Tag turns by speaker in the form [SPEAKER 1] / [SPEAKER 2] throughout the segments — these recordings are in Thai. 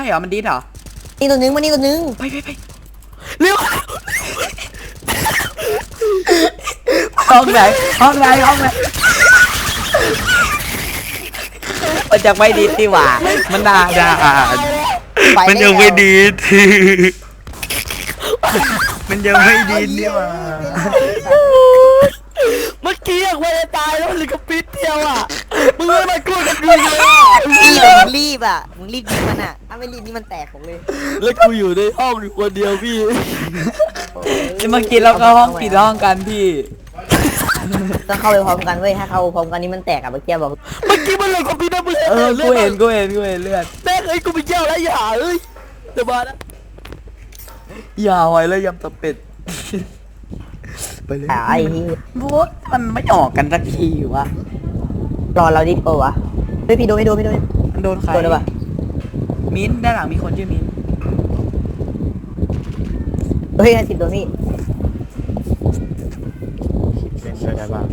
[SPEAKER 1] เหรอมันดิสเหรอ
[SPEAKER 2] นี่ตัวนึงมานี่ตัวนึง
[SPEAKER 1] ไปเร็วห้องไหนมันจะไม่ดีที่ว่ามันน่าด่ามันยังไม่ดีมันยังไม่ดีนี่ว่า
[SPEAKER 3] เมื่อกี้อยากไปตายแล้วมันเหลือกับปิดเดียวอ่ะมึงไม่มากู้กันดีเลย
[SPEAKER 2] รีบอ่ะมึงรีบยิงมันอ่ะถ้าไม่รีบนี่มันแตกผมเลย
[SPEAKER 3] แล้วกูอยู่ในห้องอยู่คนเดียวพี่
[SPEAKER 1] เมื่อกี้เราก็ห้องปิดห้องกันพี่
[SPEAKER 2] ต้องเข้าไปพร้อมกันเว้ยถ้าเข้าพร้อมกันนี่มันแตกอ่ะเมื่อกี้บอก
[SPEAKER 3] เมื่อกี้มันเหลือกับปิดนะมึง
[SPEAKER 1] กูเห็นเลือด
[SPEAKER 3] แม่เอ้ยกูไปเยี่ยวแล้วอย่าเอ้ยเดี๋ยวมานะ
[SPEAKER 1] อย่าไว้แล้วยำตะเป็ดไปเลย
[SPEAKER 2] ไอ้
[SPEAKER 1] บู๊มันไม่ออกกันสักทีวะ
[SPEAKER 2] รอเราดิโอวะเฮ้ยพี่โดน
[SPEAKER 1] มันโดนใคร
[SPEAKER 2] โดนหรือเปล่า
[SPEAKER 1] มิ้นด้านหลังมีคนชื่อมิ้น
[SPEAKER 2] เฮ้ย10ตัวพี่
[SPEAKER 4] เป็นได้บ้าง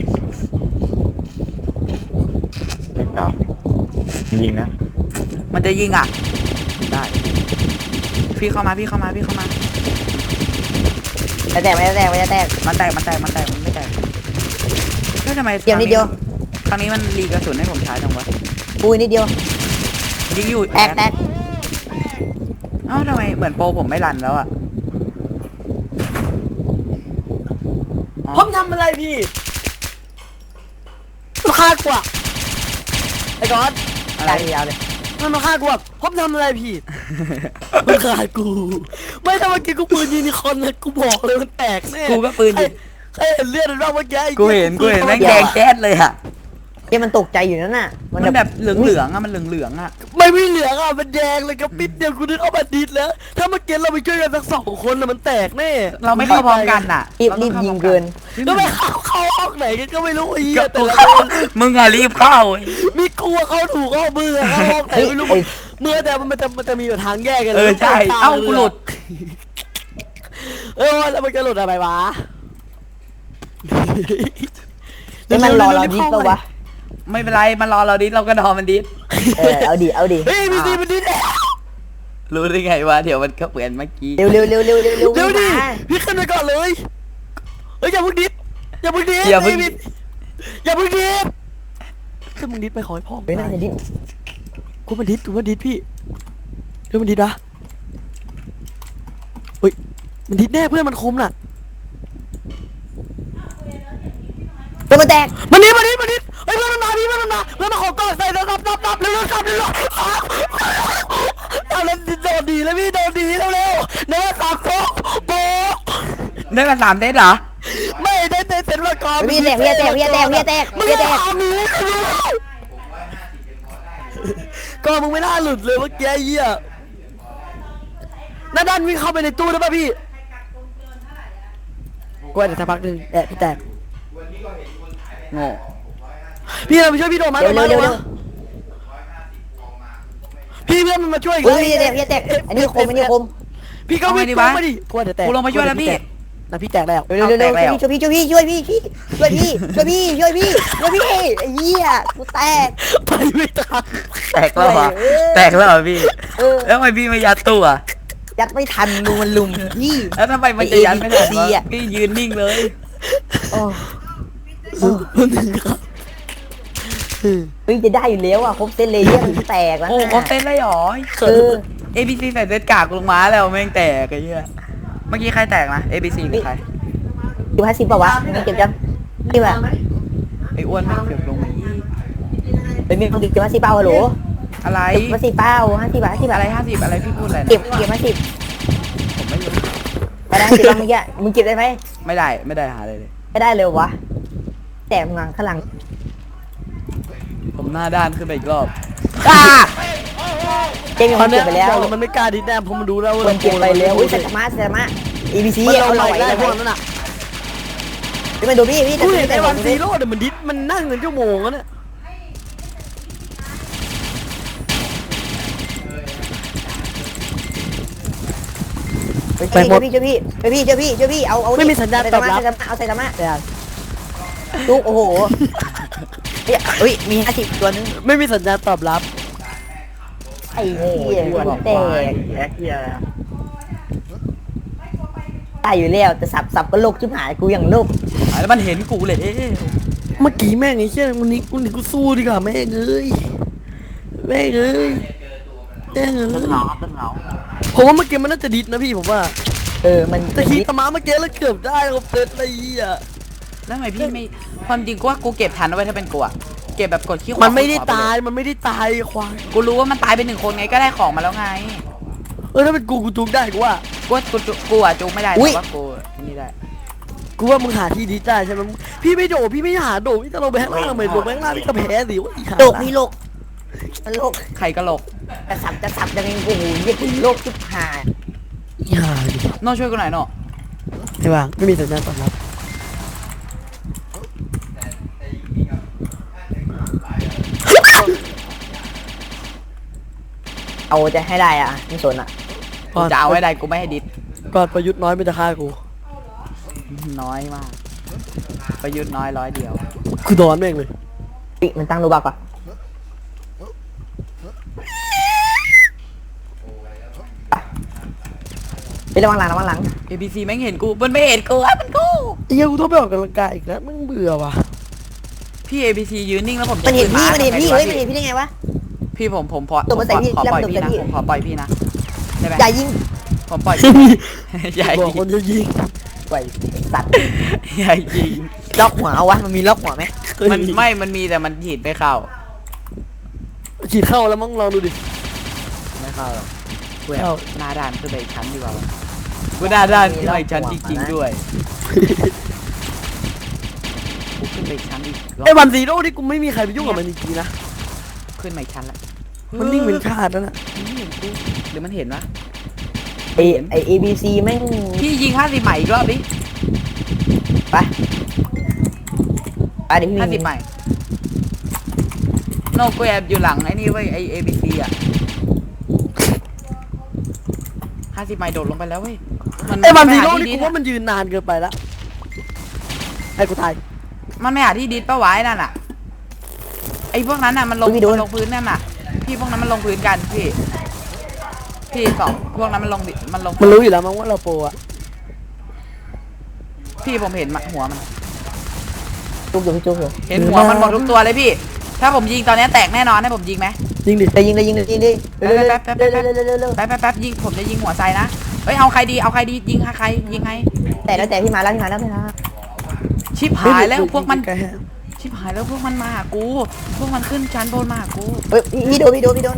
[SPEAKER 4] เล็กเก่ายิงนะ
[SPEAKER 1] มันจะยิงอ่ะได้พี่เข้ามา
[SPEAKER 2] จะแตกมันไม่แตก
[SPEAKER 1] มันไม่แตกแล้วทำไม
[SPEAKER 2] เดียวนิดเดียว
[SPEAKER 1] ครั้งนี้มันรีกระสุนให้ผมใช้จังวะ
[SPEAKER 2] ปุยนิดเดียว
[SPEAKER 1] ยิงอยู่
[SPEAKER 2] แตก
[SPEAKER 1] เอ้าทำไมเหมือนโปรผมไม่รันแล้วอ่ะ
[SPEAKER 3] ผมทำอะไรพี่มันฆ่ากูอะไอ้ก้อน
[SPEAKER 2] อะไรยาวเลย
[SPEAKER 3] มันมาฆ่ากูอะผมทำอะไรพี่มันฆ่ากูไม่ถ้าเมื่อกี้กูปืนยิงคนนะกูบอกเลยมันแตกแน่
[SPEAKER 1] กูก็ปืนยิง
[SPEAKER 3] ใครเห็นเลือดมันบ้างเมื่อกี้
[SPEAKER 1] กูเห็นแม่งแดงแจ๊ดเลยอะ
[SPEAKER 2] ที่มันตกใจอยู่นั่นน่ะ
[SPEAKER 1] มันแบบเหลืองอะมันเหลืองอะ
[SPEAKER 3] ไม่เหลืองอะมันแดงเลยกับปิดเดียวกูนึกเอามาดิดแล้วถ้าเมื่อกี้เราไปช่วยกันสัก2 คนน่ะมันแตกแน่
[SPEAKER 1] เราไม่เข้าพร้อมกันอะ
[SPEAKER 2] รีบยิงเกิน
[SPEAKER 3] ก็ไม่เข้าห้องไหนก็ไม่รู้ไอ้เหี้ยแต่ละ
[SPEAKER 1] มึงอะรีบเข้า
[SPEAKER 3] มีกลัวเขาถูกเข้ามือเข้าห้องไหนไม่รู้เมื่อแต่มันจะมีทางแยกกัน
[SPEAKER 1] ใช่เอ้ากูหลุด
[SPEAKER 3] แล้วมันจะหลุดอะไรวะ
[SPEAKER 2] นี่มันรอเราดิสปะวะ
[SPEAKER 1] ไม่เป็นไรมันรอเราดิสเราก็ดอมันดิส
[SPEAKER 2] เอาดิ
[SPEAKER 3] เฮ้ยมันดิส
[SPEAKER 1] รู้ได้ไงวะเดี๋ยวมันก็เหมือนเมื่อกี้
[SPEAKER 2] เร็ว
[SPEAKER 3] ดิพี่ขึ้นไปก่อนเลยเฮ้ยอย่าพึ่งดิสถ้ามึงดิสไปขอให้พ่อ
[SPEAKER 2] ไปนั่งดิส
[SPEAKER 3] กูมันดิสพี่เรื่องมันดิสนะเฮ้ยมันดิสแน่เพื่อนมันคมน่ะ
[SPEAKER 2] ตัวมันแตก
[SPEAKER 3] มันดิสเฮ้ยเพื่อนมันมาพี่เพื่อนมาขอก่อนใส่แล้วรับเร็วเอาแล้วโดนดีแล้วพี่โดนดีเร็วเนื้อสามโป๊ะ
[SPEAKER 1] ได้กัน3 เซตเหรอ
[SPEAKER 3] ไม่ได้เซตมาก่อน
[SPEAKER 2] พี่แตก
[SPEAKER 3] ก็มึงไม่น่าหลุดเลยเมื่อกี้เหี้ยด้านวิ่งเข้าไปในตู้ได้ป่ะพี่กูอาจจะสักพักนึงพี่แตก
[SPEAKER 1] โง่
[SPEAKER 3] พี่เราไปช่วยพี่โดมาเร็วพี่เพื่อนมันมาช่วยอีก
[SPEAKER 2] พี่แตกอันนี้คม
[SPEAKER 3] พี่ก็วิ่งมาดิ
[SPEAKER 1] กูลงมาช่วยแล้วพี่
[SPEAKER 3] พี่แตกแล้ว
[SPEAKER 2] เร็วช่วยพี่ไอ้เหี้ยกูแตก
[SPEAKER 3] ไปไม่ทัน
[SPEAKER 1] แตกแล้วพี่แล้วทำไมพี่ไม่ยัดตู้อ่ะ
[SPEAKER 2] ยัดไม่ทันมันลุมพี่
[SPEAKER 1] แล้วทำไมมันจะยัดไม่ทันพี่ยืนนิ่งเลย
[SPEAKER 2] จะได้อยู่แล้วอ่ะครบเซตเลยมันแตกแล้ว
[SPEAKER 1] ครบเซตเลยหรอABC ใส่เซตกากลงมาแล้วแม่งแตกไอ้เหี้ยเมื่อกี้ใครแตกนะ ABC หรือใคร
[SPEAKER 2] อยู่50ป่าวะมันเก็บจังนี่แบบ
[SPEAKER 1] ไอ้อ้วนไม่เก็บลงมา
[SPEAKER 2] เป็นมีคนเก็บ50เป้าหรอ
[SPEAKER 1] อะไร
[SPEAKER 2] 50เป้า50 บาท
[SPEAKER 1] อะไร50อะไรพี่พูดอะไร
[SPEAKER 2] เก็บ
[SPEAKER 1] ผมไม่รู้
[SPEAKER 2] ไปได้10เมื่อกี้มึงเก็บได้ไหม
[SPEAKER 1] ไม่ได้หาเลย
[SPEAKER 2] ไม่ได้เลยวะแต่มึงข้างหลัง
[SPEAKER 1] ผมหน้าด้านขึ้นไปอีกรอบ
[SPEAKER 2] เกมมันเก็บไปแล้ว
[SPEAKER 3] มันไม่กล้าดิแน่เพราะมันดูแล้วว่า
[SPEAKER 2] มันเก็บไปแล้วอุ้ยเซตมา ABC
[SPEAKER 3] เอาไหวได้พวกนั้นน่ะ
[SPEAKER 2] ไม่ดูพี่
[SPEAKER 3] ไอ้วันซีโร่เนี่ยมันดิสมันนั่งเงินชั่วโมงแล้วเนี่ย
[SPEAKER 2] ไปหมดพี่เอา
[SPEAKER 3] ไม่มีสัญญาณตอบรับ
[SPEAKER 2] เอาใส่ธรรมะลูกโอ้โหมี50ตัวนึง
[SPEAKER 3] ไม่มีสัญญาณตอบรับ
[SPEAKER 2] ไอ้เหี้ยหัวแตก
[SPEAKER 4] แอคเฮียอะไร
[SPEAKER 2] ตายอยู่แล้วแต่สับก็โลกชิบหายกูอย่างโลก
[SPEAKER 1] แล้วมันเห็นกูเลย
[SPEAKER 3] เมื่อกี้แม่งไอ้เชี่ยวันนี้กูสู้ดีกว่าแม่งเอ้ยแม่งเอ้ยแม่งเอ้ย
[SPEAKER 4] ต้นเหงา
[SPEAKER 3] ผมว่าเมื่อกี้มันน่าจะดิดนะพี่ผมว่า
[SPEAKER 2] มัน
[SPEAKER 3] แต่ขี่ตะม้าเมื่อกี้แล้วเกือบได้ผมเต็ดอะไรอ่ะ
[SPEAKER 1] แล้วทำไมพี่ไม่ความจริงกูว่ากูเก็บทันเอาไว้ถ้าเป็นกูอะเก็บแบบกดขี้ขวา
[SPEAKER 3] มันไม่ได้
[SPEAKER 1] ขวปเล
[SPEAKER 3] ตายมันไม่ได้ตายควาย
[SPEAKER 1] กูรู้ว่ามันตายไป1 คนไงก็ได้ของมาแล้วไง
[SPEAKER 3] ถ้าเป็นกูจุกได้กูว่า
[SPEAKER 1] กูอะจูไม่ได้แต่ว่ากูนี่ได้
[SPEAKER 3] กูว่ามึงหาที่ดิดได้ใช่ไหมพี่ไม่โดดพี่ไม่หาโดดพี่จะลงไปข้างล่างทำไมลงไปข้างล่างพี่ก็แพ้สิวะอีห่า
[SPEAKER 2] โลกพี่โลกมันโลก
[SPEAKER 1] ใครกระโหลก
[SPEAKER 2] จะสับยังไงกูหูเหี้ยโลกชิบหาย
[SPEAKER 3] อีห่าดิ
[SPEAKER 1] โน่ช่วยกูหน่อยโน่
[SPEAKER 3] ไม่ว่างไม่มีสัญญาณตอบรับ
[SPEAKER 2] เอาจะให้ได้อ่ะไม่สนอ่ะ
[SPEAKER 1] กูจะเอาไว้ได้กูไม่ให้ดิส
[SPEAKER 3] ก่อนประยุทธ์น้อยมันจะฆ่ากู
[SPEAKER 1] น้อยมาก ประยุทธ์น้อย100 เดียว
[SPEAKER 3] กูนอนแม่งเลย
[SPEAKER 2] ปิมันตั้งรูบักอ่ะไประวังหลัง
[SPEAKER 1] ABC แม่งเห็นกูมันไม่เห็นกูอะมันกู
[SPEAKER 3] ไอ้เหี้ยกูต้องไปออกกำลังกายอีกแล้วมึงเบื่อว่ะ
[SPEAKER 1] พี่ ABC ยืนนิ่งแล้วผมจะ
[SPEAKER 2] มันเห็น
[SPEAKER 1] ขึ้
[SPEAKER 2] พี่มันเห็นพี่
[SPEAKER 1] ทำไง
[SPEAKER 2] เฮ้ย
[SPEAKER 1] ดี
[SPEAKER 2] มันเห็นพี่ได้ไงวะ
[SPEAKER 1] พี่ผมพอ
[SPEAKER 2] ตัวมันใส่พี่
[SPEAKER 1] ขอปล่อยพี่
[SPEAKER 2] แล้วมัน
[SPEAKER 1] นะ
[SPEAKER 2] ใส่พี่
[SPEAKER 1] ผมขอปล่อยพี่นะได้ไหม
[SPEAKER 2] อย่ายิง
[SPEAKER 1] ผมปล่อยพี่ อย่า
[SPEAKER 3] บอก
[SPEAKER 1] ยิง
[SPEAKER 3] คนจะยิง
[SPEAKER 2] ไว้สัตว์
[SPEAKER 1] อย่ายิง
[SPEAKER 2] ล็อกหัวเอาวะมันมีล็อกหัวไหม
[SPEAKER 1] มันมีแต่มันฉีดไม่เข้า
[SPEAKER 3] ฉีดเข้าแล้วมั้งลองดูดิ
[SPEAKER 1] ไม่เข้าหรอกกู
[SPEAKER 3] เข้า
[SPEAKER 1] หน้าด้านขึ้นไปอีกชั้นดีกว่ากูหน้าด้านขึ้นไปอีกชั้นจริงๆด้วยกูขึ้นไปอีกชั้นอีกรอบ
[SPEAKER 3] ไอ้วันซีโร่ที่กูไม่มีใครไปยุ่งกับมันจริงๆนะ
[SPEAKER 1] ขึ้นมาอีกชั้นละ
[SPEAKER 3] มันนิ่งเป็นชาติแล้วน่ะ
[SPEAKER 1] มันไม่เห็นกูหรือมันเห็นวะ
[SPEAKER 2] ไอ ABC แม่ง
[SPEAKER 1] พี่ยิง50 ใหม่อีกรอบดิ
[SPEAKER 2] ไปเดี๋ยวพี่
[SPEAKER 1] 50 ใหม่โนกูแอบอยู่หลังไอ้นี่เว้ยไอ ABC อ่ะ50 ใหม่โดดลงไปแล้วเว้ย
[SPEAKER 3] ไอ้วันซี
[SPEAKER 1] ม่
[SPEAKER 3] โร่
[SPEAKER 1] หา
[SPEAKER 3] นี่
[SPEAKER 1] ที่
[SPEAKER 3] กู
[SPEAKER 1] ดิส
[SPEAKER 3] ว่ามันยืนนานเกินไปละให้กูตาย
[SPEAKER 1] มันไม่หาที่ดิสป้าไว้นั่นน่ะไอ้พวกนั้นน่ะมันลงพื้นนั่นน่ะพี่พวกนั้นมันลงพื้นกันพี่สองพวกนั้นมันลง
[SPEAKER 3] มันรู้อยู่แล้วมั้งว่าเราโปรอะ
[SPEAKER 1] พี่ผมเห็นหัวมัน
[SPEAKER 2] จุกอยู่พี่จุกอยู่
[SPEAKER 1] เห็นหัวมันหมดทุกตัวเลยพี่ ถ้าผมยิงตอนนี้แตกแน่นอนให้ผมยิงไหม
[SPEAKER 3] ยิงดิ
[SPEAKER 2] เลยยิงดิเร็วๆ
[SPEAKER 1] แป๊บยิงผมจะยิงหัวไซนะเฮ้ยเอาใครดียิงใครยิงให้
[SPEAKER 2] แต่พี่มาแล้ว
[SPEAKER 1] ชิบหายแล้วพวกมัน
[SPEAKER 3] ใล้ๆฮะ
[SPEAKER 1] ชิบหายแล้วพวกมันมาหากูพวกมันขึ้นชั้นบนมาหากู
[SPEAKER 2] เฮ้ยพี่โดน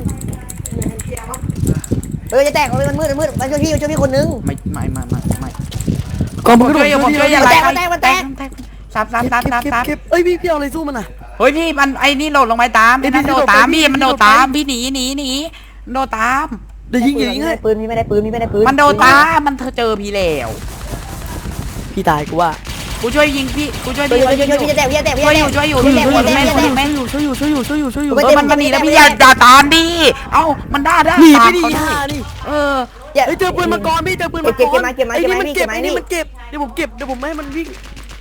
[SPEAKER 2] จะแตกมันมืดมาช่วยพี่คนนึง
[SPEAKER 1] ไม่
[SPEAKER 3] ก่อนมึงก็
[SPEAKER 1] ผมช่วยอย่า
[SPEAKER 2] มัน
[SPEAKER 1] ไล่
[SPEAKER 2] แตก
[SPEAKER 1] ซับ
[SPEAKER 3] เก็บเอ้ยพี่เอาอะไรสู้มันอ่ะ
[SPEAKER 1] เฮ้ยพี่มันไอ้นี่โหลดลงไปตามไอ้นั่นโดดตามพี่มันโดดตามพี่หนีโดดตาม
[SPEAKER 3] เดี๋ยวยิงให้
[SPEAKER 2] ปืนพี่ไม่ได้ปืน
[SPEAKER 1] มันโดดตามมันเจอพี่แล้ว
[SPEAKER 3] พี่ตายกูว่า
[SPEAKER 1] กูช่วยยิงพี่กูช่วย
[SPEAKER 2] ช่วย
[SPEAKER 1] พี่
[SPEAKER 2] อยู่จะแตก
[SPEAKER 1] ช่วยอยู่พี่
[SPEAKER 3] ช่วย
[SPEAKER 1] เอ
[SPEAKER 3] อ
[SPEAKER 1] อมันหนีแล้วพี่อย่าตามดิเอ้ามันด่า
[SPEAKER 3] หนี
[SPEAKER 1] ตาม
[SPEAKER 3] ไม่ดี
[SPEAKER 1] เขาดิ
[SPEAKER 3] ห่านี่
[SPEAKER 1] เออ
[SPEAKER 3] เฮ้ยเจอปืนมาก่อนพี่เจอปืนมาก่อน
[SPEAKER 2] เก็บมา
[SPEAKER 3] ไอ้นี่มันเก็บไอ้นี่มันเก็บเดี๋ยวผมเก็บเดี๋ยวผมไม่ให้มันวิ่ง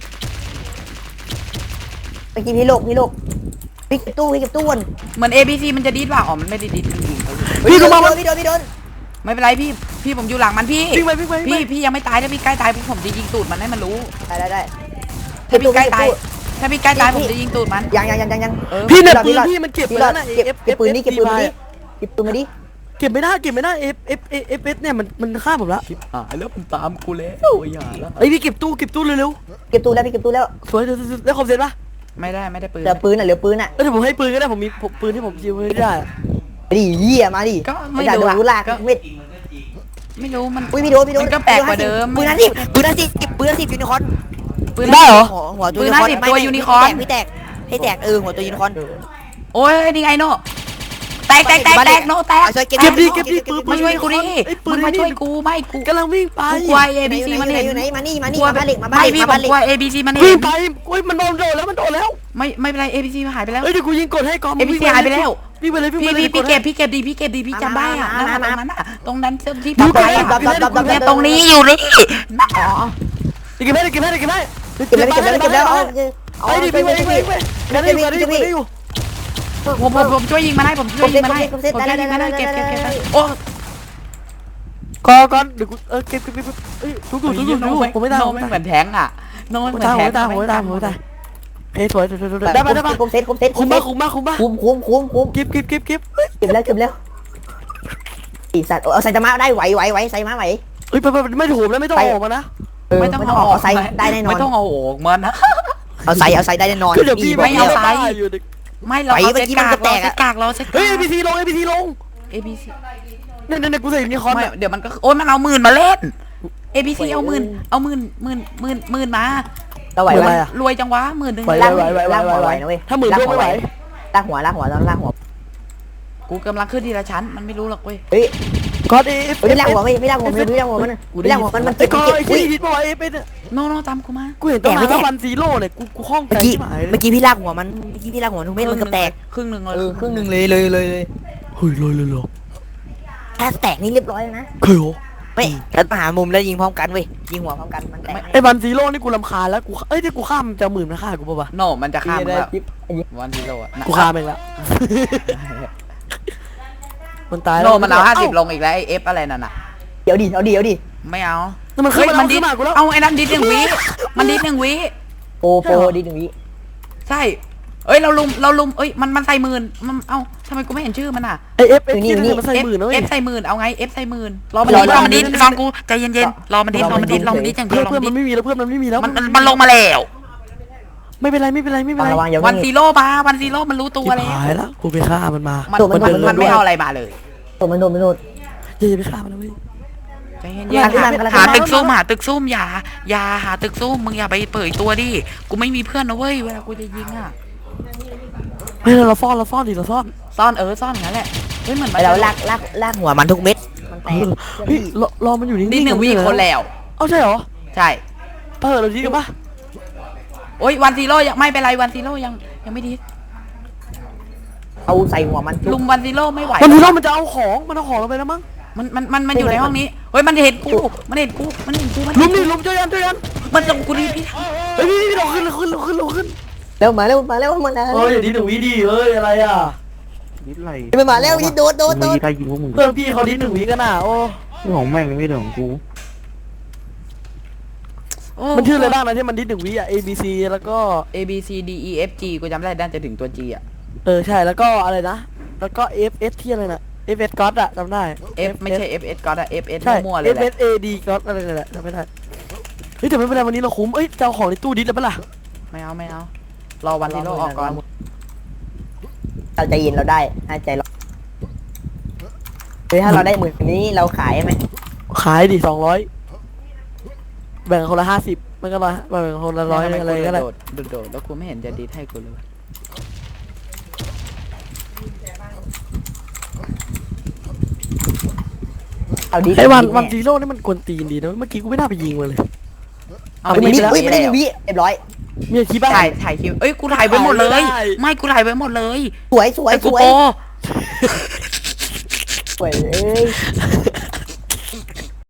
[SPEAKER 2] ไปกินพี่โลกพี่เก็บตู้วน
[SPEAKER 1] เหมือน ABC มันจะดีดว่าอ๋อมันไม่ได้ดีดมันยิงเขาอยู่
[SPEAKER 3] พี่ก็มา
[SPEAKER 2] พี่โดน
[SPEAKER 1] ไม่เป็นไรพี่ผมอยู่หลังมันพี่
[SPEAKER 3] วิ่งไป
[SPEAKER 1] พี่ยังไม่ตายถ้าพี่ใกล้ตายผมจะยิงตูดมันให้มันรู้
[SPEAKER 2] ได้
[SPEAKER 1] ถ้าพี่ใกล้ตายผมจะยิงตูดมัน
[SPEAKER 2] ยัง
[SPEAKER 3] พี่เนี่ยปืนพี่มันเก็บไปแล้วนะ
[SPEAKER 2] เก็บปืนนี่เก็บปืนมาดิ
[SPEAKER 3] เก็บไม่ได้Fเนี่ยมันฆ่าผมละ
[SPEAKER 1] ชิบหายแล้วมันตามกูแล้วอย่าแล้ว
[SPEAKER 3] ไอ้พี่เก็บตู้เร็ว
[SPEAKER 2] เก็บตู้แล้ว
[SPEAKER 3] ๆสวยเดี๋ยวได้คอมเซ็ตปะ
[SPEAKER 1] ไม่ได้ปืน
[SPEAKER 2] เหลือปืนอ่ะ
[SPEAKER 3] เดี๋ยวผมให้ปืนก็ได้ผมมีปืนที่ผมยิงไม่ได้
[SPEAKER 2] ดิเหี้ยมาดิ
[SPEAKER 1] ก็ไม่
[SPEAKER 2] โด
[SPEAKER 1] รู้
[SPEAKER 2] นลากเม็ด
[SPEAKER 1] ไม่รู้มัน
[SPEAKER 2] อุ้ยพี่โดน
[SPEAKER 1] มันก็แปลกกว่าเดิม
[SPEAKER 2] ปืนนั่นสิเก็บปืนนั่นสิยูนิคอร์น
[SPEAKER 1] ปืน
[SPEAKER 3] ได้เหรอ
[SPEAKER 2] หัวตัวยูนิคอร์น
[SPEAKER 1] ตัวยูนิคอร์น
[SPEAKER 2] ให้แตกหัวตัวยูนิคอร์น
[SPEAKER 1] โอ้ยนี่ไงโนแตกโนแตก
[SPEAKER 3] เก็บดิปืน
[SPEAKER 1] มาช่วยกูดิมึงมาช่วยกูไม่กู
[SPEAKER 3] กำลังวิ่งไป
[SPEAKER 1] กลัว ABC มันเห็น
[SPEAKER 2] อยู่ไหนมานี่
[SPEAKER 1] กลัว
[SPEAKER 2] มาบ้านเหล็ก
[SPEAKER 1] ไม่พี่ผมกลัว ABC มันเห็
[SPEAKER 3] วิ่ง
[SPEAKER 1] น
[SPEAKER 3] ไปอุ้ยมันโดนแล้ว
[SPEAKER 1] ไม่เป็นไร ABC หายไปแล้ว
[SPEAKER 3] เอ้ยเดี๋ยวกูยิงกดให้ก่อน
[SPEAKER 1] ABC หายไปแล้ว
[SPEAKER 3] วิ่งไปเลย
[SPEAKER 1] พี่เก็บดีพี่จำได้อะนั่นตรงนั้นอะตรงนั้นที่
[SPEAKER 3] ดู
[SPEAKER 1] ปลอด
[SPEAKER 3] ไป
[SPEAKER 1] ภัยอะ
[SPEAKER 3] ดับ
[SPEAKER 1] เนี่ยตรงนี้อยู่นี่อ๋อ
[SPEAKER 3] เก็บให้
[SPEAKER 2] เก็บแล้ว
[SPEAKER 3] ไอ้ดิพี่ไปได้อยู่
[SPEAKER 1] ผมช่วยยิงมาได้ผมช่วยยิงมาได้ผมช่วยยิงมาได้เก็บโอ้
[SPEAKER 3] ก่อนเดี๋ยวกูเก็บเอ้ยทุกอยู่ผมไม่ตาย
[SPEAKER 1] โน
[SPEAKER 3] ผม
[SPEAKER 1] ไม่
[SPEAKER 3] ไม่
[SPEAKER 1] เหมื
[SPEAKER 3] ตาย
[SPEAKER 1] อนแทงอ่ะโนไม่เหมือนแทง
[SPEAKER 3] ผมไม่ตายเฮ้ยสวยได้ปะ
[SPEAKER 2] คุมเซตคุม
[SPEAKER 3] คุ้มปะ
[SPEAKER 2] คุมเก็บ
[SPEAKER 3] เก็บ
[SPEAKER 2] เก็บแล้วอีสัตว์เอาใส่ตะมาได้ไหวใส่มาไหว
[SPEAKER 3] เฮ้ยไปไม่ถูกแล้วไม่ต้องออกมานะ
[SPEAKER 2] ไม่ต้องออกใส่ได้แน่นอน
[SPEAKER 1] ไม่ต้องเอาออกมันนะ
[SPEAKER 2] เอาใส่ได้แน่นอน
[SPEAKER 3] คือเดี๋ยวพี่
[SPEAKER 1] ไม่เอาไซส์
[SPEAKER 3] อยู่
[SPEAKER 1] ไม่เราเอาเซตกากเราเซตกากเราเซต
[SPEAKER 3] เฮ้ย
[SPEAKER 1] กาก
[SPEAKER 3] APC ลง APC ลง
[SPEAKER 1] ABC
[SPEAKER 3] เนี่ยกูใส่ยูนิคอร์น
[SPEAKER 1] ไม่เดี๋ยวมันก็โอ้ยมันเอาหมื่นมาเล่น ABC เอาหมื่นมา
[SPEAKER 2] เราไหว
[SPEAKER 1] รวยจังวะหมื่นหนึ่ง
[SPEAKER 2] ลากหัวไหวนะเว้ย
[SPEAKER 3] ถ้าหมื่นด้วยไม่ไหว
[SPEAKER 2] ลากหัวต้องลากหัว
[SPEAKER 1] กูกำลังขึ้นทีละชั้นมันไม่รู้หรอกเว้ย
[SPEAKER 2] เฮ้ย
[SPEAKER 3] ก็เอฟ
[SPEAKER 2] ไม่ลากหัวไม่ลากหัวมันไม่ลากหัวมัน
[SPEAKER 3] ไอ้
[SPEAKER 2] เก็บ
[SPEAKER 3] ก็
[SPEAKER 2] เก็บ
[SPEAKER 3] ไอ้
[SPEAKER 2] อุ้ย
[SPEAKER 3] ที่ฮิตบอกไอ้เป็น
[SPEAKER 1] โนตามกูมา
[SPEAKER 3] กูเห็นตั้งนานวันซีโร่เนี่ยกูห้องใจ
[SPEAKER 2] เมื่อกี้พี่ลากหัวมันพี่ลากหัวทุกเม็ดมันก็แตก
[SPEAKER 1] ครึ่งหนึ่งเลย
[SPEAKER 2] ครึ่งหนึ่งเลย
[SPEAKER 3] เฮ้ยเลย
[SPEAKER 2] ถ้าแตกนี่เรียบร้อยแล้วนะ
[SPEAKER 3] เคยเหรอ
[SPEAKER 2] ไม่แล้วมาหามุมแล้วยิงพร้อมกันเว้ยยิงหัวพร้อมกันมันแตก
[SPEAKER 3] ไอ้วันซีโร่นี่กูรำคาญแล้วกูเอ้ยที่กูข้ามจะหมื่นมาฆ่ากูป่ะวะ
[SPEAKER 1] โนมันจะข้าม
[SPEAKER 2] ได้
[SPEAKER 1] แล้ว
[SPEAKER 2] จิ๊บ
[SPEAKER 1] วันที่โลอ่ะ
[SPEAKER 3] กูฆ่ามันแล้วมันตาย
[SPEAKER 1] โนมันเอา50ลงอีกแล้วไอเอฟอะไรนั่นน่ะ
[SPEAKER 2] เดี๋ยวดิ
[SPEAKER 1] ไม่เอา
[SPEAKER 3] มันขึ้น
[SPEAKER 1] มันดิ
[SPEAKER 3] มากูแล้ว
[SPEAKER 1] เอาไอ้นั่นดิด1 วิมันดิด1 วิ
[SPEAKER 2] โปดิหนึ่งวิ
[SPEAKER 1] ใช่เอ้ยเราลุมเอ้ยมันใส่หมื่นมันเอ้าทำไมกูไม่เห็นชื่อมันอ่ะ
[SPEAKER 3] ไอเอฟที่มันใส่หมื่นนะเว้ย
[SPEAKER 1] F ใส่หมื่นเอาไง F ใส่หมื่นรอมันดิฟังกูใจเย็นๆรอมันดิอย่างเดียวรอ
[SPEAKER 3] เพื่อน
[SPEAKER 1] มั
[SPEAKER 3] มัน นไม่มีแล้วเพื่อนมันไม่มีแล้ว
[SPEAKER 1] มันลงมาแล้ว
[SPEAKER 3] ไม่เป็นไร
[SPEAKER 2] ระวังอย่า
[SPEAKER 1] วันซีโร่มาวันซีโร่มันรู้ตัวแล้ว
[SPEAKER 3] หายแล้วกูไปฆ่ามันมา
[SPEAKER 1] มันไม่เอาอะไรมาเลย
[SPEAKER 2] ตัวมันโดน
[SPEAKER 3] อย่าไปฆ่ามันนะเว้ย
[SPEAKER 1] ใจเย็นๆหาตึกซุ่มอย่าหาตึกซุ่มมึงอย่าไปเปิดตัวดิกูไม่มีเพื่อนนะเว้ยเวลากูจะยิงอ่ะ
[SPEAKER 3] เฮ้ยเราซ่อนดิเราซ่อน
[SPEAKER 1] ซ่อนซ่อนอย่างนั้นแหละเฮ้ยเหมือน
[SPEAKER 2] ไปแล้วลากหัวมันทุกเม็ดมันแตก
[SPEAKER 3] เฮ้ยรอมันอยู่นิ่ง
[SPEAKER 1] ดิ1 วิคนแล้ว
[SPEAKER 3] เอ้าใช่เหรอ
[SPEAKER 1] ใช่
[SPEAKER 3] เราดีกันปะ
[SPEAKER 1] โอ้ยวันซีโร่ยังไม่เป็นไรวันซีโร่ยังไม่ดี
[SPEAKER 2] เอาใส่หัวมัน
[SPEAKER 1] ลุมวันซีโร่ไม่ไหว
[SPEAKER 3] มันทีเรามันจะเอาของมันเอาของเราไปแล้วมั้ง
[SPEAKER 1] มันอยู่ในห้องนี้เฮ้ยมันเห็นกู
[SPEAKER 3] ลุมช่วยกัน
[SPEAKER 1] มันจะกูรีบพี่
[SPEAKER 3] เฮ้ยพี่เราขึ้น
[SPEAKER 2] แล้วมาแล้วมัน
[SPEAKER 3] เฮ้ยดีหนึ่งวิดีเฮ้ยอะไรอ่ะ
[SPEAKER 4] นิดไร
[SPEAKER 2] มันมาแล้วนี่โดน
[SPEAKER 4] มึงยิงใครยิงพวกมึง
[SPEAKER 3] เพื่อนพี่เขาดีหนึ่งวิกันอ่ะโอ้
[SPEAKER 4] เรื่องของแม่งไม่เรื่องของกู
[SPEAKER 3] มันชื่ออะไรบ้างนะที่มันดีหนึ่งวิอ่ะ A B C แล้วก็
[SPEAKER 1] A B C D E F G กูจำได้ด้านจะถึงตัว G อ่ะ
[SPEAKER 3] ใช่แล้วก็อะไรนะแล้วก็ F S ที่อะไรนะ F S ก็อดอะจำได้
[SPEAKER 1] F ไม่ใช่ F S ก็ได้ F S
[SPEAKER 3] ใช่
[SPEAKER 1] มั่วๆเลย
[SPEAKER 3] F
[SPEAKER 1] แหละ
[SPEAKER 3] S A D ก็อดอะไรนั่นแหละจำไม่ได้เฮ้ยแต่ไม่เป็นไรวันนี้เราคุ้มเอ้ยจะเอาของในตู้ดิสแล้วปะล่ะ
[SPEAKER 1] ไม่เอารอวันที่โลออกก่อน
[SPEAKER 2] เราใจเย็นเราได้ให้ใจเราถ้าเราได้หมื่นนี้เราขายไหม
[SPEAKER 3] ขายดิ200แบ่งคนละ50มันก็แบ่งคนละ100อะไรก็ได้
[SPEAKER 1] โดดแล้วกูไม่เห็นจะดีให้กูเลย
[SPEAKER 2] เอาดี
[SPEAKER 3] ไอ้วันซีโร่นี่มันกวนตีนดีนะเมื่อกี้กูไม่น่าไปยิงมันเลย
[SPEAKER 1] เอา
[SPEAKER 2] มัน
[SPEAKER 1] ดี
[SPEAKER 2] นี่
[SPEAKER 1] แล้ว
[SPEAKER 2] มันได้วิเรียบร้อย
[SPEAKER 3] มีคลิปบ้าง
[SPEAKER 1] ถ่ายคลิปเอ้ยกูถ่ายไว้หมดเลย
[SPEAKER 3] ได้
[SPEAKER 1] ไม่กูถ่ายไว้หมดเลย
[SPEAKER 2] สวย
[SPEAKER 1] ไอ้กูโป
[SPEAKER 2] สวยเอ้ย